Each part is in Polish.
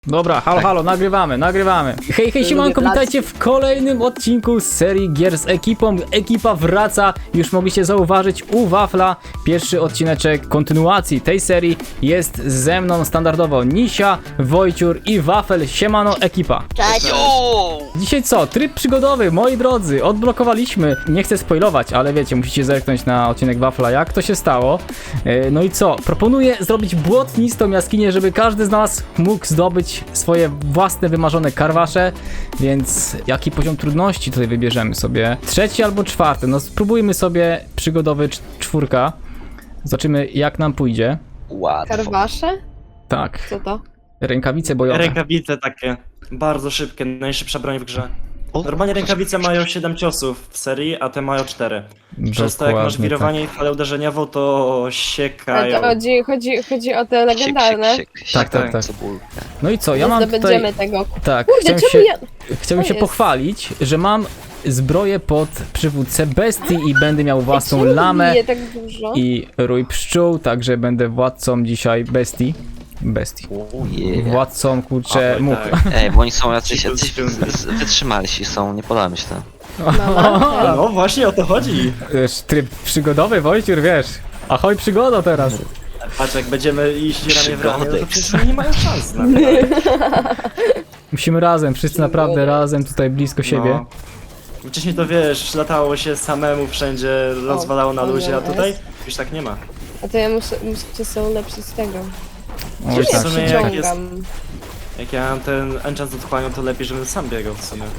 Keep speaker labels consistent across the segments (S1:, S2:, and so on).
S1: Dobra, halo, nagrywamy. Hej, siemanko, witajcie w kolejnym odcinku z serii gier z ekipą. Ekipa wraca, już mogliście zauważyć u Wafla. Pierwszy odcineczek kontynuacji tej serii jest ze mną standardowo Nisia, Wojciur i Wafel. Siemano, ekipa.
S2: Cześć!
S1: Dzisiaj co? Tryb przygodowy, moi drodzy, odblokowaliśmy. Nie chcę spoilować, ale wiecie, musicie zerknąć na odcinek Wafla, jak to się stało. No i co? Proponuję zrobić błotnistą jaskinię, żeby każdy z nas mógł zdobyć swoje własne wymarzone karwasze, więc jaki poziom trudności tutaj wybierzemy sobie? 3. albo 4. No spróbujmy sobie przygodowy 4. Zobaczymy, jak nam pójdzie.
S2: Łatwo.
S3: Karwasze?
S1: Tak,
S3: Co to?
S1: rękawice bojowe.
S4: Rękawice takie, bardzo szybkie, najszybsza broń w grze. Normalnie rękawice mają 7 ciosów w serii, a te mają 4. Przez to jak masz
S1: Dokładnie
S4: wirowanie i falę uderzeniową, to siekają.
S3: Ale to chodzi o te legendarne.
S1: Tak.
S2: Cebulkę.
S1: No i co, ja
S3: Nie
S1: mam
S3: zdobędziemy
S1: tutaj...
S3: tego.
S1: Tak,
S3: Kurde, czemu ja...
S1: chciałbym
S3: To
S1: się
S3: jest.
S1: pochwalić, że mam zbroję pod przywódcę bestii i będę miał własną
S3: Czemu
S1: lamę
S3: bije tak dużo?
S1: i rój pszczół, także będę władcą dzisiaj bestii. Władcą, kurczę,
S4: Oj,
S1: much.
S4: tak.
S2: Ej, bo oni są jacyś
S4: Ci
S2: wytrzymalsi są, nie podoba mi się to.
S3: Mama,
S4: No właśnie o to chodzi.
S1: Wiesz, tryb przygodowy, Wojciur, wiesz. Ahoj, przygoda teraz.
S4: Patrz, jak będziemy iść ramię w ramię, no to
S2: Przygodek.
S4: przecież oni nie mają szans na to.
S1: Musimy razem, wszyscy naprawdę razem, tutaj blisko siebie.
S4: No. Wcześniej to wiesz, latało się samemu wszędzie, rozwalało na luzie, a tutaj już tak nie ma.
S3: A to ja muszę sobie ulepszyć tego.
S1: Oj,
S4: w
S1: tak.
S4: sumie jak jest,
S3: Przyciągam.
S4: jak ja mam ten enchant z otchłanią, to lepiej, żebym sam biegał w sumie.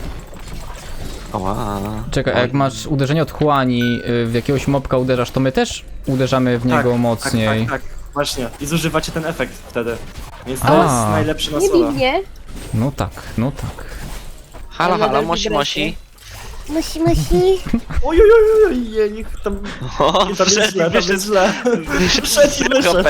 S2: Oła.
S1: Czekaj, a jak masz uderzenie otchłani, w jakiegoś mobka uderzasz, to my też uderzamy w niego mocniej.
S4: Tak, właśnie. I zużywacie ten efekt wtedy. Więc
S1: A.
S4: to jest najlepszy na
S3: Nie
S4: sola.
S3: biegnie.
S1: No tak.
S2: Halo,
S3: Ale
S2: halo,
S3: nadal
S2: mosi.
S3: Musi.
S4: Oj, niech tam...
S2: O,
S4: Tam jest źle, tam jest źle. Wszedł i wyszedł.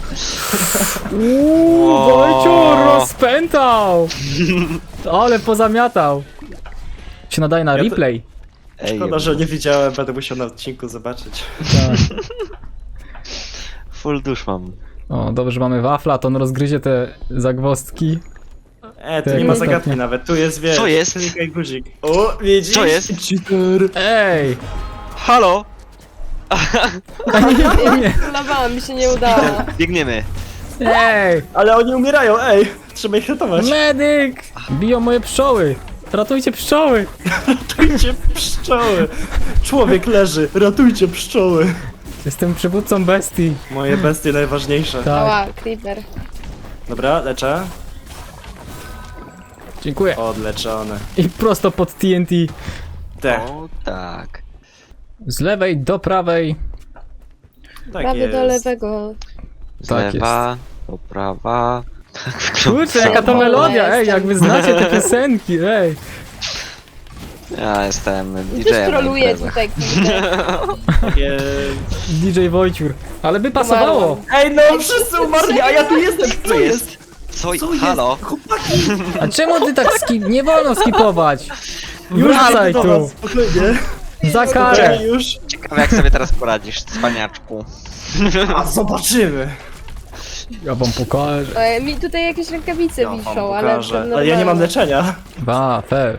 S1: Wojciur rozpętał! Ale pozamiatał. Się nadaje na
S4: Ja to-
S1: replay.
S2: Ej,
S4: Szkoda, że nie widziałem, będę musiał na odcinku zobaczyć.
S1: Tak.
S2: full dusz mam.
S1: O, dobrze, że mamy wafla, to on rozgryzie te zagwozdki.
S4: Tu
S1: Tak,
S4: nie ma
S1: ostatnio.
S4: zagadki nawet, tu jest, wiesz,
S2: Co jest?
S4: klikaj guzik. O, widzisz?
S2: Co jest?
S4: Cheater.
S1: Ej!
S2: Halo!
S3: Lawała, mi się nie udało.
S2: Biegniemy.
S1: Ej!
S4: Ale oni umierają, ej! Trzeba ich ratować.
S1: Medyk! Biją moje pszczoły! Ratujcie pszczoły!
S4: Ratujcie pszczoły! Człowiek leży, ratujcie pszczoły!
S1: Jestem przywódcą bestii.
S4: Moje bestie najważniejsze.
S1: Tak,
S3: Ała, creeper.
S4: Dobra, leczę.
S1: dziękuję.
S4: Odleczone.
S1: I prosto pod TNT.
S4: Te,
S2: O, tak.
S1: Z lewej do prawej.
S4: tak
S3: Prawy
S4: jest.
S3: do lewego.
S2: Z
S1: Tak
S2: lewa, do prawa.
S1: Kurczę, jaka to
S3: O,
S1: melodia! Ej,
S3: jestem.
S1: jak wy znacie te piosenki, ej!
S2: Ja jestem
S3: Też
S2: DJ-em. na
S3: troluję
S2: imprezach.
S3: tutaj, kurde.
S4: Tak jest.
S1: DJ Wojciur. Ale by pasowało!
S3: Umarłam.
S4: Ej, no wszyscy umarli, a ja tu jestem!
S2: Co jest? Co? Halo?
S4: Chłopaki!
S1: A czemu ty tak nie wolno skipować? Już wracaj
S4: do
S1: tu!
S4: was, spokojnie.
S1: Za karę!
S4: Okej, już.
S2: Ciekawe jak sobie teraz poradzisz, cwaniaczku.
S4: A zobaczymy.
S1: Ja wam pokażę.
S3: Mi tutaj jakieś rękawice
S4: Ja wam
S3: wiszą, ale...
S4: pokażę.
S3: to
S4: Ale ja nie mam
S3: normalne.
S4: leczenia.
S1: Wafel.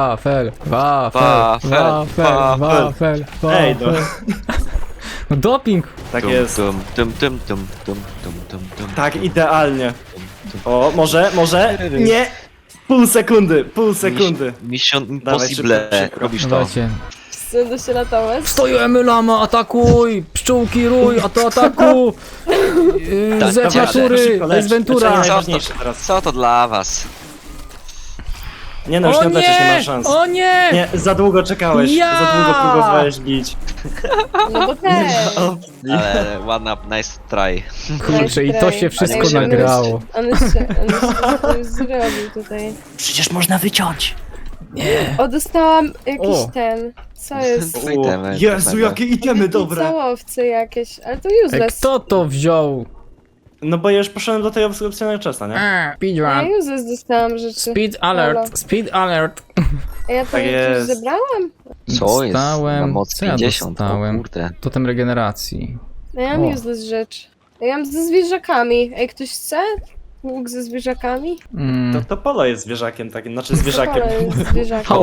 S4: Ej, no.
S1: No doping!
S4: Tak
S2: Tum,
S4: jest.
S2: tum, tum, tum, tum, tum, tum, tum, tum.
S4: Tak, idealnie. O, może? Nie! Pół sekundy.
S2: Mission
S4: Dawaj,
S2: Impossible.
S4: szybko.
S2: Robisz to.
S1: Dawajcie.
S3: Chcę się ratować.
S1: Stojemy lama, atakuj! Pszczółki rój, a to ataku!
S2: Tak,
S1: Z
S2: dobra,
S1: natury,
S4: szybko
S1: to jest
S4: lecz.
S1: Ventura!
S4: Leczenie
S2: Co
S4: najważniejsze
S2: to,
S4: teraz.
S2: co to dla was?
S4: Nie no, już
S1: O
S4: nie odleczysz, nie ma
S1: nie!
S4: szans.
S1: O nie!
S4: Nie, za długo czekałeś,
S1: Ja!
S4: za długo próbowałeś bić.
S3: No bo też.
S2: Ale ładna, nice try.
S1: Kurczę, i to się wszystko
S3: Ej, żeby
S1: nagrało.
S3: On już zrobił tutaj.
S4: Przecież można wyciąć.
S3: O, dostałam jakiś
S1: O.
S3: ten. Co jest?
S2: O, itemy,
S4: Jezu,
S2: pewnego.
S4: jakie itemy dobre.
S3: Całowce jakieś, ale to
S1: Ej,
S3: useless.
S1: kto to wziął?
S4: No bo ja już poszedłem do tej opcjonalnej czasa, nie?
S3: Ja
S1: Speedrun.
S3: useless dostałam rzeczy.
S1: Speed
S3: Halo.
S1: alert, speed alert.
S3: A ja tam
S4: Tak
S3: jakieś
S4: jest.
S3: zebrałam?
S2: Co jest?
S1: Dostałem-
S2: Na moc
S1: co ja
S2: 50,
S1: dostałem?
S2: o kurde.
S1: Totem regeneracji.
S3: No ja mam
S1: O.
S3: useless rzecz. Ja mam ze zwierzakami. Ej, ktoś chce? łuk ze zwierzakami?
S4: To Polo jest zwierzakiem takim, znaczy zwierzakiem.
S3: Polo jest zwierzakiem.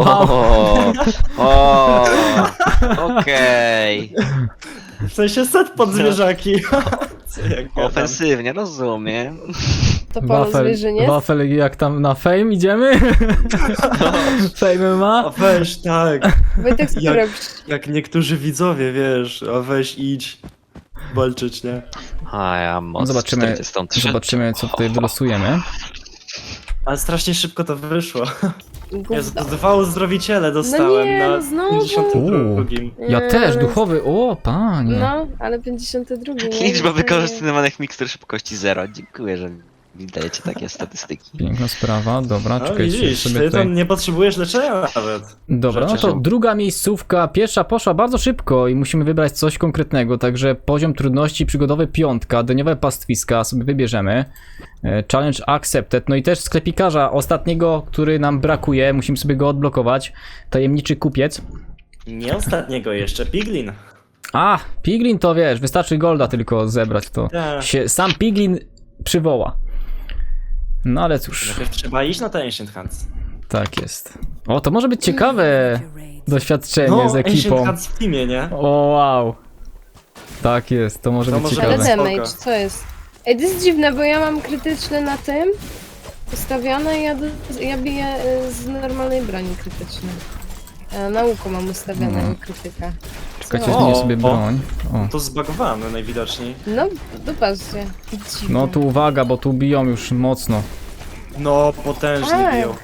S2: O, okej.
S4: W sensie set pod zwierzaki. Co ja gadam?
S2: Ofensywnie, rozumiem.
S3: To Polo zwierzyniec?
S1: Wafel, jak tam na Fame idziemy? Fame
S4: A
S1: ma?
S4: weź, tak.
S3: Wojtek, co ty
S4: Jak-
S3: robisz?
S4: Jak niektórzy widzowie, wiesz, a weź idź walczyć, nie?
S2: A ja moc
S1: Zobaczymy,
S2: 43.
S1: zobaczymy co tutaj wylosujemy.
S4: Ale strasznie szybko to wyszło. Jezu,
S3: Gówno.
S4: 2 uzdrowiciele dostałem
S3: nie,
S4: na
S3: no znowu.
S4: 52.
S1: Ja też,
S3: Nie,
S1: duchowy, o panie.
S3: No, ale 52. nie?
S2: Liczba
S3: To
S2: wykorzystywanych mikstur szybkości 0. Dziękuję, że mi dajecie takie statystyki.
S1: Piękna sprawa, dobra,
S4: No
S1: czekajcie
S4: widzisz,
S1: sobie
S4: ty
S1: tutaj.
S4: tam nie potrzebujesz leczenia nawet.
S1: Dobra, no to
S4: Rzeczy.
S1: druga miejscówka, pierwsza poszła bardzo szybko i musimy wybrać coś konkretnego, także poziom trudności przygodowy 5, dniowe pastwiska sobie wybierzemy. Challenge accepted, no i też sklepikarza ostatniego, który nam brakuje, musimy sobie go odblokować. Tajemniczy kupiec.
S4: Nie ostatniego jeszcze, Piglin.
S1: A, Piglin to wiesz, wystarczy golda tylko zebrać, to
S4: Tak.
S1: się sam Piglin przywoła. No ale cóż,
S4: Najpierw trzeba iść na te Ancient Hands.
S1: tak jest. O, to może być ciekawe doświadczenie z ekipą.
S4: Ancient Hands w teamie, nie?
S1: O wow. Tak jest, to może
S4: To
S1: być
S4: może
S3: Ale
S1: ciekawe.
S4: Spoko.
S3: damage, co jest? Ej, to jest dziwne, bo ja mam krytyczne na tym ustawione i ja biję z normalnej broni krytycznej. Na łuku mam ustawionego krytyka.
S1: Czekajcie,
S4: O,
S1: zmienię sobie
S4: o.
S1: broń. O.
S4: To zbagowane najwidoczniej.
S3: No, dopatrzcie. Dziwne.
S1: No tu uwaga, bo tu biją już mocno.
S4: No, potężnie
S3: Tak.
S4: biją.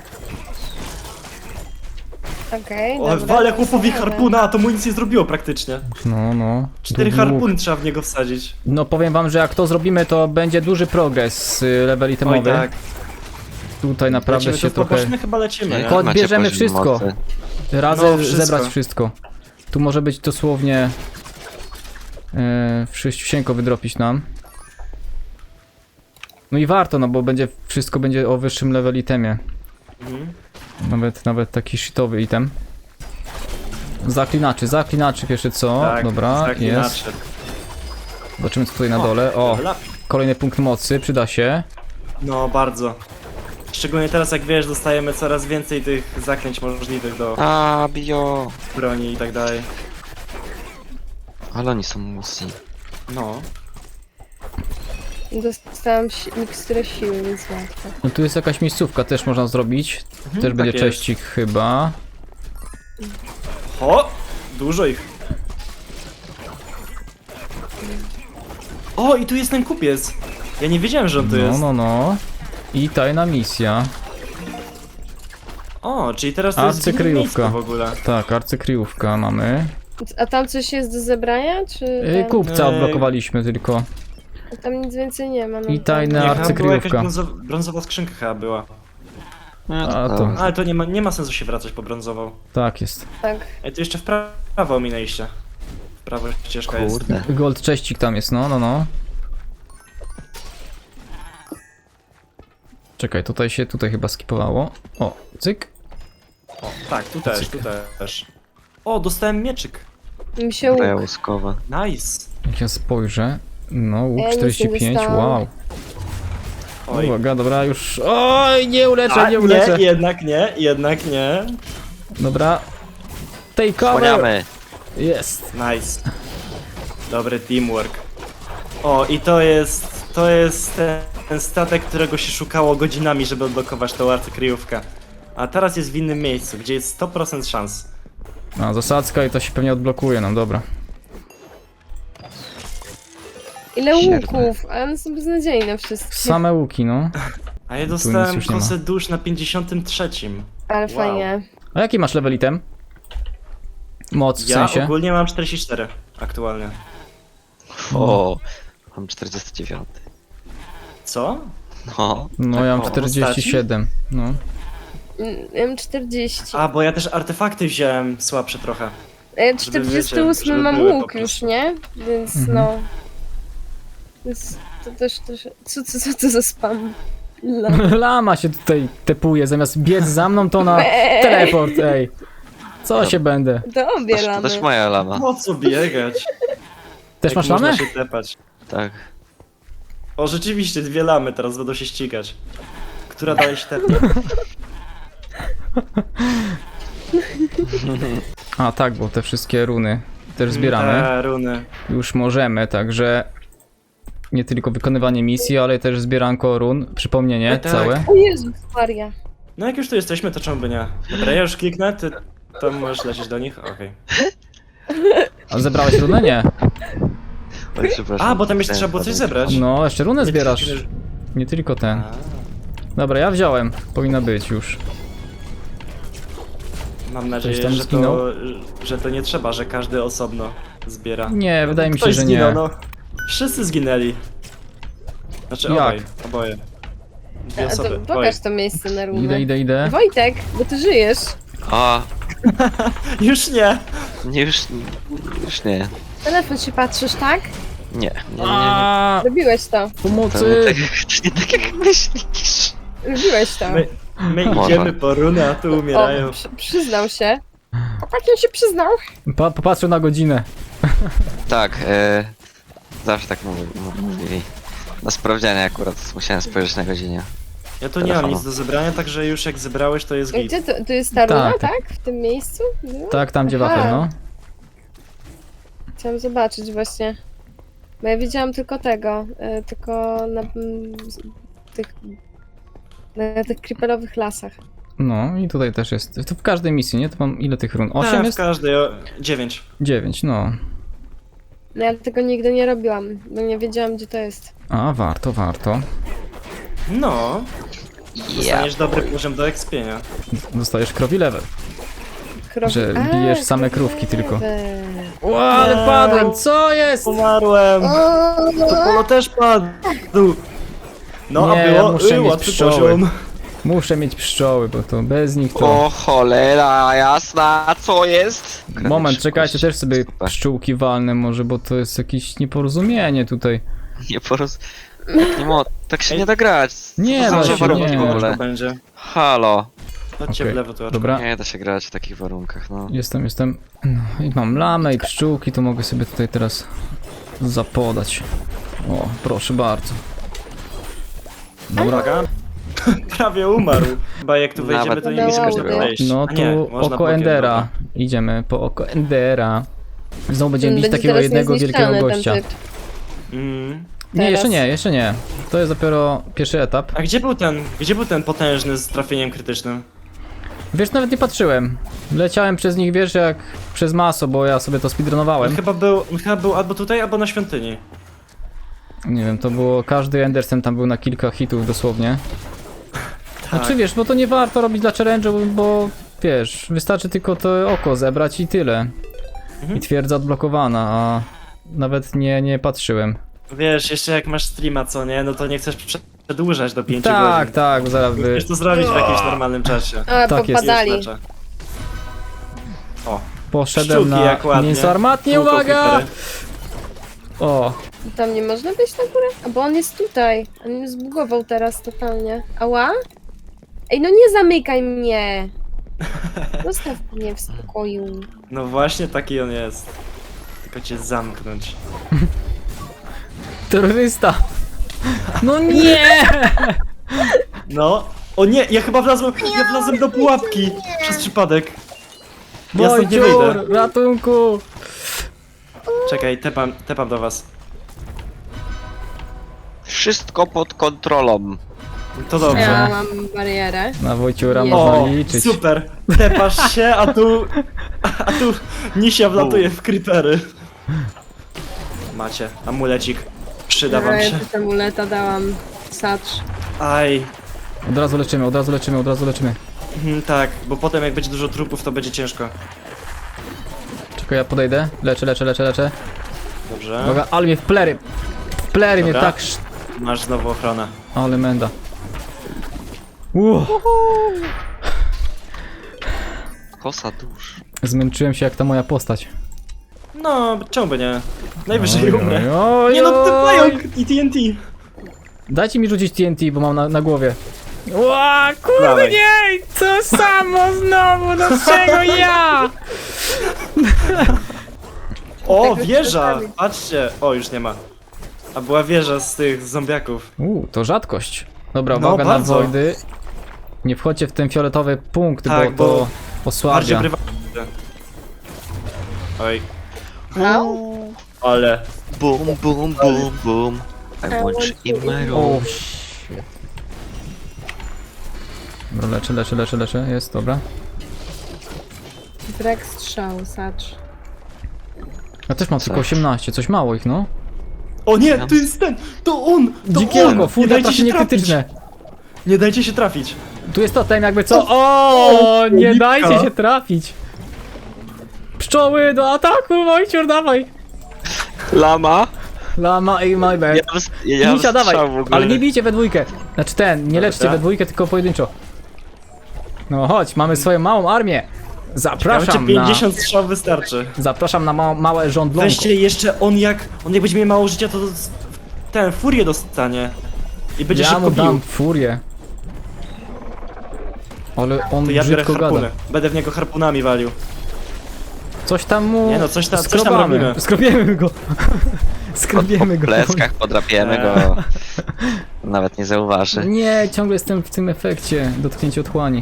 S3: Okej,
S4: O,
S3: dobra,
S4: wale
S3: to
S4: chłopowi
S3: ustawiam.
S4: harpuna, a to mu nic nie zrobiło praktycznie.
S1: No.
S4: 4
S1: Długi łuk.
S4: harpuny trzeba w niego wsadzić.
S1: No powiem wam, że jak to zrobimy, to będzie duży progres level
S4: Oj
S1: itemowy.
S4: tak.
S1: Tutaj naprawdę
S4: Lecimy
S1: się
S4: to w
S1: trochę...
S4: poboczny, chyba lecimy, nie?
S2: Jak
S1: Kod
S2: macie
S1: bierzemy
S2: poziom
S1: wszystko.
S2: mocy?
S1: Razem
S4: No, wszystko.
S1: zebrać wszystko. Tu może być dosłownie... Wszyściusieńko wydropić nam. No i warto, no bo wszystko będzie o wyższym level itemie.
S4: Mhm.
S1: Nawet taki shitowy item. Zaklinaczy pierwsze co?
S4: Tak,
S1: Dobra,
S4: tak
S1: jest.
S4: inaczej.
S1: Zobaczymy co tutaj na dole. O,
S4: level up.
S1: kolejny punkt mocy, przyda się.
S4: No, bardzo. Szczególnie teraz, jak wiesz, dostajemy coraz więcej tych zaklęć możliwych do
S2: A, bio.
S4: broni i tak dalej.
S2: Ale oni są musi.
S4: No.
S3: Dostałam miksturę siły, więc łatwo.
S1: No tu jest jakaś miejscówka, też można zrobić. Też będzie
S4: tak jest.
S1: cześcik chyba.
S4: O! Dużo ich. O, i tu jest ten kupiec. Ja nie wiedziałem, że on tu jest.
S1: No. I tajna misja.
S4: O, czyli teraz to jest w innym
S1: Arcykryjówka.
S4: miejscu w ogóle.
S1: Tak, arcykryjówka mamy.
S3: A tam coś jest do zebrania, czy tam,
S1: Kupca odblokowaliśmy tylko.
S3: tam nic więcej nie ma? No,
S1: I tajne
S4: Nie, chyba była jakaś
S1: arcykryjówka.
S4: brązowa skrzynka chyba była.
S1: A to,
S4: Ale to nie ma sensu się wracać po brązową.
S1: tak jest.
S3: Tak.
S4: Ej, tu jeszcze w prawo ominęliście. W prawo ścieżka jest.
S2: Kurde.
S1: Gold cześcik tam jest, no. Czekaj, tutaj chyba skipowało. O, cyk.
S4: O, tak, tu też. O, dostałem mieczyk.
S3: Mi się łuk.
S2: Braja łuskowa.
S4: Nice.
S1: Jak ja spojrzę. No, łuk
S3: Ja nic nie
S1: 45,
S3: dostałam.
S1: wow.
S4: Oj.
S1: Uwaga, dobra, już. Oj, nie uleczę,
S4: A,
S1: nie uleczę.
S4: jednak nie.
S1: Dobra. Take cover.
S2: Słaniamy.
S1: Jest.
S4: Nice. Dobry teamwork. O, i to jest ten statek, którego się szukało godzinami, żeby odblokować tą arcykryjówkę. A teraz jest w innym miejscu, gdzie jest 100% szans.
S1: A, zasadzka i to się pewnie odblokuje nam, dobra.
S3: Ile
S2: Siedem.
S3: łuków? A one są beznadziejne wszystkie.
S1: Same łuki, no.
S4: A ja
S1: nic
S4: dostałem
S1: już nie ma.
S4: kosę dusz na 53.
S3: Ale
S4: Wow.
S3: fajnie.
S1: A jaki masz level item? Moc w
S4: Ja
S1: sensie?
S4: ogólnie mam 44 aktualnie.
S2: O, mam 49.
S4: Co?
S2: No.
S1: No ja mam
S4: o,
S1: 47. No.
S3: Ja mam 40.
S4: A, bo ja też artefakty wziąłem słabsze trochę.
S3: A ja
S4: żeby
S3: 48
S4: wiecie, żeby
S3: mam
S4: były po
S3: łuk
S4: prostu.
S3: już, nie? Więc
S1: Mhm.
S3: no. Więc to też... Co to za spam? La.
S1: Lama się tutaj tepuje, zamiast biec za mną to na teleport, ej. Co się będę?
S3: To obie
S2: To
S3: lamy.
S2: też moja lama.
S4: Po co biegać?
S1: Też
S4: Jak
S1: masz
S4: można
S1: lamę?
S4: się tepać?
S2: Tak.
S4: O, rzeczywiście, 2 lamy teraz będą się ścigać. Która dalej się tepnie?
S1: A tak, bo te wszystkie runy też zbieramy.
S4: Te runy.
S1: Już możemy, także nie tylko wykonywanie misji, ale też zbieranko run, przypomnienie
S4: Tak.
S1: całe.
S3: O Jezus Maria.
S4: No jak już tu jesteśmy, to czemu by nie? Dobra, ja już kliknę, ty tam możesz lecieć do nich? Okej.
S1: A zebrałeś runę? Nie.
S2: Oj, przepraszam.
S4: A, bo tam jeszcze trzeba było coś zebrać.
S1: No, jeszcze runę zbierasz.
S4: Nie,
S1: Nie tylko ten.
S4: A,
S1: Dobra, ja wziąłem. Powinna być już.
S4: mam nadzieję,
S1: Ktoś tam
S4: że
S1: zginął?
S4: że to nie trzeba, że każdy osobno zbiera.
S1: Nie, wydaje mi się,
S4: Ktoś
S1: że
S4: zginął,
S1: nie.
S4: no. Wszyscy zginęli. Znaczy
S1: Jak?
S4: oboje. Dwie
S3: A to
S4: osoby.
S3: pokaż to miejsce na runę.
S1: Idę.
S3: Wojtek, bo ty żyjesz.
S2: O,
S4: Już nie!
S2: nie, już nie.
S3: Telefon się patrzysz, tak?
S2: Nie.
S1: A,
S3: Robiłeś to.
S2: To
S1: pomocy!
S2: nie tak jak myślisz.
S3: Robiłeś to.
S4: My
S2: Może.
S4: idziemy po runę, a tu umierają.
S3: O, przyznał się. Tak on się przyznał.
S1: Popatrzę na godzinę.
S2: Tak, zawsze tak mówili. Na sprawdzianie akurat musiałem spojrzeć na godzinę.
S4: Ja tu nie mam
S2: Telefonu.
S4: nic do zebrania, także już jak zebrałeś, to jest git.
S3: Gdzie to? Tu jest ta runa,
S1: Tak.
S3: tak? W tym miejscu? No.
S1: Tak, tam gdzie
S3: Aha.
S1: wafel, no.
S3: Chciałam zobaczyć właśnie. Bo ja widziałam tylko tego, tylko na tych creeperowych lasach.
S1: No i tutaj też jest. To w każdej misji, nie? To mam ile tych run? 8
S4: Tak, w
S1: jest?
S4: każdej, 9.
S1: 9, no.
S3: No ja tego nigdy nie robiłam, bo nie wiedziałam gdzie to jest.
S1: A, warto.
S4: No,
S2: Ja.
S4: dostaniesz dobry poziom do ekspienia.
S1: Dostajesz krowi level. Że
S3: A,
S1: bijesz same krówki tylko.
S3: krewe.
S1: Ła, ale
S4: Nie.
S1: padłem, co jest?
S4: Umarłem! To polo też padł! No,
S1: Nie,
S4: a
S1: ja
S4: było
S1: muszę mieć
S4: łatwy
S1: pszczoły.
S4: poziom.
S1: Muszę mieć pszczoły, bo to bez nich to...
S2: O cholera jasna, co jest?
S1: Moment, czekajcie, też sobie
S2: Super.
S1: pszczółki walnę może, bo to jest jakieś nieporozumienie tutaj.
S2: Nie tak się nie da grać.
S1: Nie,
S2: Co
S1: da
S2: za
S1: się,
S2: warunki
S1: nie.
S2: w ogóle?
S4: Będzie.
S2: Halo.
S4: Chodźcie
S1: Okej,
S4: w lewo tu.
S1: dobra.
S2: Nie da się grać w takich warunkach, no.
S1: Jestem. No, i mam lamę i pszczółki, to mogę sobie tutaj teraz zapodać. O, proszę bardzo. Dobra,
S4: Uwaga. Prawie umarł. Chyba jak tu wejdziemy,
S2: Nawet
S4: to nie
S3: nie
S4: będziemy
S3: mogę.
S4: wejść.
S1: no
S4: A nie,
S1: tu
S4: można
S1: oko
S4: bokiem,
S1: Endera.
S4: dobra.
S1: Idziemy po oko Endera. Znowu będziemy bić
S3: Będzie
S1: takiego
S3: teraz
S1: jednego wielkiego
S3: niezniszczalny ten
S1: gościa.
S3: typ.
S1: Nie,
S3: Teraz.
S1: jeszcze nie. To jest dopiero pierwszy etap.
S4: A gdzie był ten potężny z trafieniem krytycznym?
S1: Wiesz, nawet nie patrzyłem. Leciałem przez nich, wiesz, jak przez maso, bo ja sobie to
S4: On
S1: speedrunowałem.
S4: chyba był albo tutaj, albo na świątyni.
S1: Nie wiem, to było, każdy Endersen tam był na kilka hitów dosłownie.
S4: Tak.
S1: Znaczy wiesz, bo to nie warto robić dla challenge'u, bo wiesz, wystarczy tylko to oko zebrać i tyle. I twierdza odblokowana, a nawet nie patrzyłem.
S4: Wiesz, jeszcze jak masz streama, co nie, no to nie chcesz przedłużać do 5
S1: Tak,
S4: godzin.
S1: tak, bo zaraz by...
S4: Chcesz to zrobić w jakimś normalnym czasie.
S3: A,
S1: Tak jest.
S3: popadali.
S4: Już leczę. O,
S1: Poszedłem
S4: pszczółki
S1: na
S4: jak ładnie.
S1: mięso armatnie,
S4: Kółko
S1: uwaga!
S4: creepery.
S1: O,
S3: Tam nie można być na górę? A bo on jest tutaj. On mnie zbugował teraz totalnie. Ała? Ej, no nie zamykaj mnie! Zostaw mnie w spokoju.
S4: No właśnie taki on jest. Tylko cię zamknąć.
S1: terrorysta! No nie!
S4: No. O nie, ja chyba wlazłem do pułapki przez przypadek. Ja stąd nie
S1: Wojciur,
S4: wyjdę.
S1: ratunku!
S4: Czekaj, tepam do was.
S2: Wszystko pod kontrolą.
S4: To dobrze.
S3: Ja mam barierę.
S1: Na Wojciura
S3: Jest.
S1: można
S4: O,
S1: liczyć.
S4: super. Tepasz się, a tu Nisia wlatuje w creepery. Macie, amulecik. Przyda wam
S3: Ja
S4: się.
S3: też amuleta dałam. Sacz.
S4: Aj.
S1: Od razu leczymy.
S4: Tak, bo potem jak będzie dużo trupów, to będzie ciężko.
S1: Czekaj, ja podejdę. Leczę.
S4: Dobrze.
S1: Uwaga, ale mnie w plery mnie
S4: Dobra.
S1: tak...
S4: Masz znowu ochronę.
S1: Ale menda.
S2: Kosa dusz.
S1: Zmęczyłem się jak ta moja postać.
S4: No, czemu by nie? Najwyżej
S1: Oj,
S4: umrę.
S1: oj,
S4: Nie no, ten
S1: oj.
S4: pająk i TNT.
S1: Dajcie mi rzucić TNT, bo mam na głowie. Ła, kurde
S4: Dawaj.
S1: nie! To samo znowu, dlaczego ja?
S4: O,
S3: Tak
S4: wieża!
S3: wyskoczyli.
S4: Patrzcie. O, już nie ma. A była wieża z tych zombiaków.
S1: To rzadkość. Dobra,
S4: No,
S1: uwaga na
S4: bardzo.
S1: Voidy. Nie wchodźcie w ten fioletowy punkt,
S4: Tak,
S1: bo to
S4: bo
S1: osłabia.
S4: Bardziej prywatne. Oj,
S3: Au.
S4: ale...
S2: Bum, bum, bum, bum. I
S3: I
S2: want
S3: want
S2: you in
S3: you
S2: my
S3: in
S2: room.
S1: shit. Dobra, leczę, jest, dobra.
S3: Brak strzału, sacz.
S1: Ja też mam tylko 18, coś mało ich, no.
S4: O nie, to jest ten! To on! To
S1: Dzikiego,
S4: on! Nie
S1: furia
S4: dajcie się
S1: trafienie
S4: trafić!
S1: krytyczne.
S4: Nie dajcie się trafić!
S1: Tu jest totem jakby co? O, nie
S4: lipka.
S1: dajcie się trafić. Pszczoły do ataku, Wojciur, dawaj.
S2: Lama?
S1: Lama i my bad.
S2: Ja
S1: Misia, dawaj,
S2: strzał w ogóle.
S1: ale nie bijcie we dwójkę. Znaczy nie leczcie
S4: Dobra.
S1: we dwójkę, tylko pojedynczo. No chodź, mamy swoją małą armię.
S4: Ciekawe, czy 50 strzał wystarczy.
S1: Zapraszam na małe żądlonko.
S4: Weźcie jeszcze on jak będzie miał mało życia, to ten furię dostanie. I będzie
S1: Ja
S4: szybko
S1: mu dam
S4: bił.
S1: furię. Ale on
S4: To ja biorę
S1: brzydko
S4: harpuny.
S1: gada.
S4: Będę w niego harpunami walił.
S1: Coś tam mu...
S4: Nie no, coś tam
S1: skrobamy.
S4: robimy.
S1: Skrobiemy go. Skrobiemy
S2: Po
S1: go.
S2: pleckach podrapiemy go. Nawet nie zauważy.
S1: Nie, ciągle jestem w tym efekcie dotknięcia otchłani.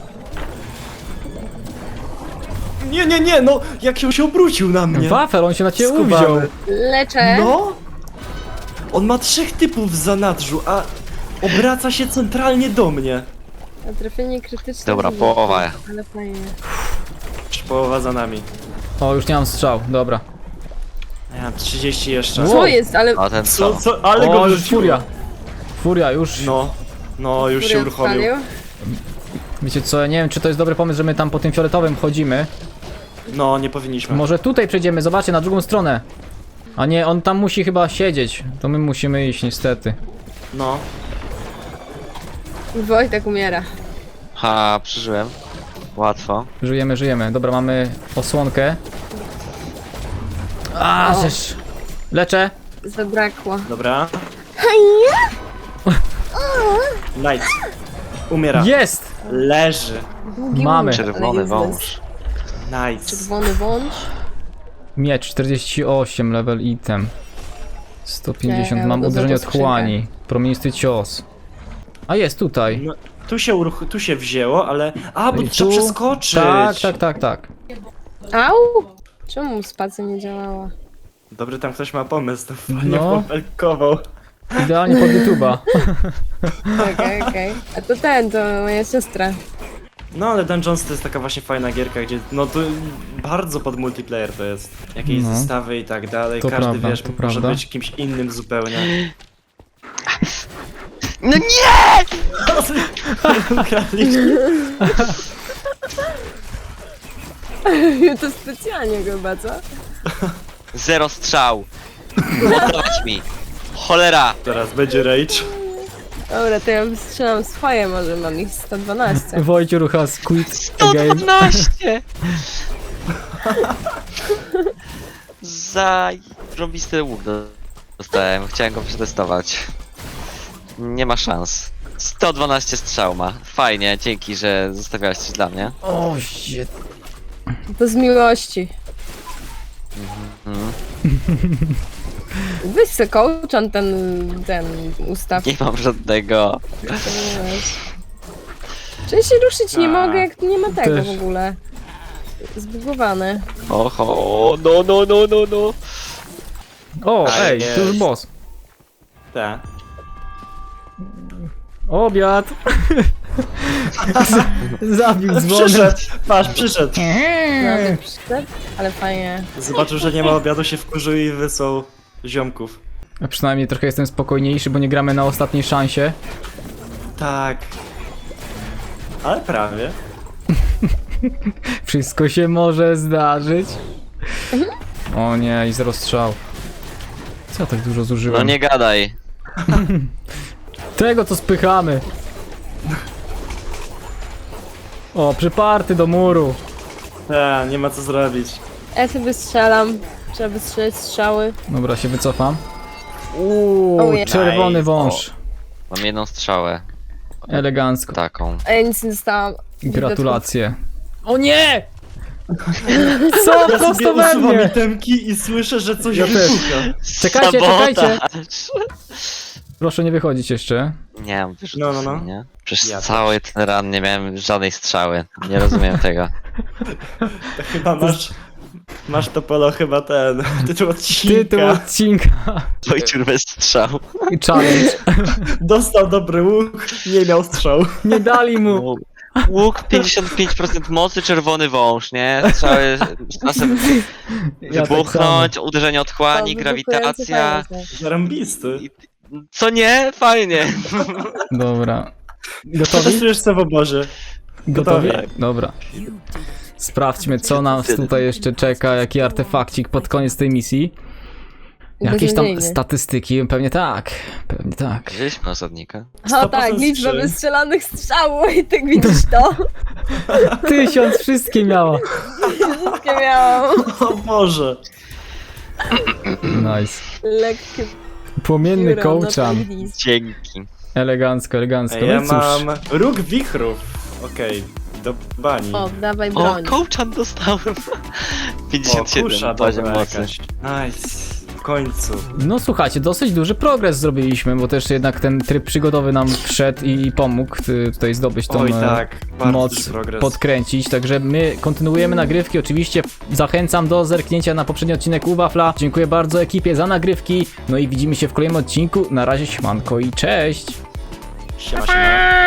S4: Nie, no jak się obrócił na mnie.
S1: Wafel, on się na ciebie
S4: Skubany.
S1: uwziął.
S3: Leczę.
S4: No! On ma 3 typów w zanadrzu, a obraca się centralnie do mnie.
S3: A trafienie krytyczne.
S2: Dobra,
S3: nie
S2: połowa.
S3: wiem, Ale fajnie.
S4: Już połowa za nami.
S1: O, już nie mam strzał, dobra.
S4: Ja mam 30 jeszcze.
S1: Wow.
S3: Co jest, ale...
S2: A ten co?
S4: Ale go
S1: O, już
S4: wyrzuciło.
S1: furia. Furia, już.
S4: No, już się
S3: Furia
S4: uruchomił.
S3: odpalił.
S1: Wiecie co, ja nie wiem czy to jest dobry pomysł, że my tam po tym fioletowym chodzimy.
S4: No, nie powinniśmy.
S1: Może tutaj przejdziemy, zobaczcie, na drugą stronę. A nie, on tam musi chyba siedzieć. To my musimy iść, niestety.
S4: No.
S3: Wojtek umiera.
S2: Ha, przeżyłem. Łatwo.
S1: Żyjemy. Dobra, mamy osłonkę. A,
S3: O.
S1: żeż. Leczę.
S3: Zabrakło.
S4: Dobra. Nice. Umiera.
S1: Jest!
S4: Leży.
S3: Długi
S1: Mamy.
S3: łuk, ale
S2: Czerwony
S3: useless.
S2: wąż.
S4: Nice.
S3: Czerwony wąż.
S1: Miecz 48, level item. 150,
S3: Nie,
S1: mam
S3: to za
S1: uderzenie
S3: to
S1: od
S3: skrzynkę.
S1: chłani. Promienisty cios. A jest tutaj.
S4: No, tu się wzięło, ale... A, bo
S1: I
S4: trzeba
S1: tu-
S4: przeskoczyć.
S1: Tak.
S3: Au! Czemu spacja nie działała?
S4: Dobry, tam ktoś ma pomysł, to fajnie
S1: No.
S4: popelkował.
S1: Idealnie pod YouTube'a.
S3: Okej. A to to moja siostra.
S4: No, ale Dungeons to jest taka właśnie fajna gierka, gdzie no to bardzo pod multiplayer to jest. Jakieś
S1: No.
S4: zestawy i tak dalej,
S1: To
S4: każdy
S1: prawda,
S4: wiesz,
S1: to
S4: może
S1: prawda.
S4: być kimś innym zupełnie.
S2: No nie!
S4: Ukradliśmy.
S3: To specjalnie chyba, co?
S2: 0 strzał. Oddawać mi. Cholera.
S4: Teraz będzie rage.
S3: Dobra, to ja strzelam swoje, może mam ich 112.
S1: Wojciech has quit again.
S2: 112! Za robisty łuk dostałem. Chciałem go przetestować. Nie ma szans. 112 strzał ma. Fajnie, dzięki, że zostawiałeś coś dla mnie.
S1: O, shit.
S3: To z miłości.
S2: Mhm.
S3: Weź se kołczan ten ustaw.
S2: Nie mam żadnego.
S3: Czy się ruszyć nie
S4: A.
S3: mogę, jak tu nie ma tego
S1: Też.
S3: w ogóle. Zbugowane.
S2: Oho, no.
S1: O,
S4: A,
S1: ej,
S4: jest.
S1: to już boss.
S4: Tak.
S1: Obiad. Zabił dzwonem.
S4: Przyszedł! Patrz, przyszedł!
S3: No, przyszedł, ale fajnie.
S4: Zobaczył, że nie ma obiadu, się wkurzył i wysłał ziomków.
S1: A przynajmniej trochę jestem spokojniejszy, bo nie gramy na ostatniej szansie.
S4: Tak. Ale prawie.
S1: Wszystko się może zdarzyć. O nie, i 0 strzał. Co ja tak dużo zużyłem?
S2: No nie gadaj.
S1: Tego co spychamy. O, przyparty do muru.
S4: Tak, nie ma co zrobić.
S3: Ja sobie strzelam. Trzeba by strzelać strzały.
S1: Dobra, się wycofam.
S3: Ojej.
S1: Czerwony
S4: Nice.
S1: wąż.
S2: Mam jedną strzałę.
S1: Elegancko.
S2: Taką.
S3: A ja nic nie dostałam.
S1: Gratulacje. O nie! Co?
S4: Ja sobie
S1: Prosto we
S4: usuwam
S1: mnie!
S4: itemki i słyszę, że coś
S1: Ja też.
S4: wybucha.
S1: Czekajcie, czekajcie!
S2: Sabotaż.
S1: Proszę nie wychodzić jeszcze.
S2: Nie mam wyrzutów,
S4: No.
S2: nie? Przez
S4: Ja
S2: cały ten run nie miałem żadnej strzały. Nie rozumiem tego.
S4: To chyba masz to polo chyba ten tytuł odcinka.
S1: Tytuł odcinka.
S2: Wojciur bez strzał.
S1: Challenge.
S4: Dostał dobry łuk, nie miał strzał.
S1: Nie dali mu.
S2: Łuk 55% mocy, czerwony wąż, nie? Strzały z czasem
S1: Ja tak
S2: wybuchnąć, uderzenie otchłani,
S3: To
S2: grawitacja.
S3: wybuchujący
S4: Zarąbisty.
S2: Co nie? Fajnie.
S1: samo. Dobra. Gotowi?
S4: Protestujesz co w obozie.
S1: Gotowi?
S4: Gotowi.
S1: Dobra. Sprawdźmy, co nas tutaj jeszcze czeka, jaki artefakcik pod koniec tej misji. Jakieś tam
S3: Beznadziejny.
S1: statystyki, pewnie tak. Pewnie tak.
S2: Wzięliśmy osadnika.
S3: O tak,
S4: 100%
S3: liczba
S4: skrzyń.
S3: wystrzelanych strzałów i tak widzisz to?
S1: 1000 wszystkie miała.
S3: Wszystkie miałam.
S4: O Boże.
S1: Nice.
S3: Lekkie
S1: Płomienny
S3: pióro na
S1: kołczan.
S3: ognisku.
S2: Dzięki.
S1: Elegancko, elegancko.
S4: Ja
S1: No i cóż.
S4: mam róg wichrów. Okej, do bani.
S3: O, dawaj
S2: O,
S3: broń.
S2: kołczan dostałem.
S4: O,
S2: 57
S4: kusza
S2: poziom
S4: dobra
S2: mocy.
S4: jakaś. Nice. W końcu.
S1: No słuchajcie, dosyć duży progres zrobiliśmy, bo też jednak ten tryb przygodowy nam wszedł i pomógł tutaj zdobyć tą
S4: Oj tak, bardzo
S1: moc,
S4: duży progres.
S1: podkręcić. Także my kontynuujemy nagrywki. Oczywiście zachęcam do zerknięcia na poprzedni odcinek u Wafla. Dziękuję bardzo ekipie za nagrywki. No i widzimy się w kolejnym odcinku. Na razie, siemanko i cześć!
S4: Siema, siema.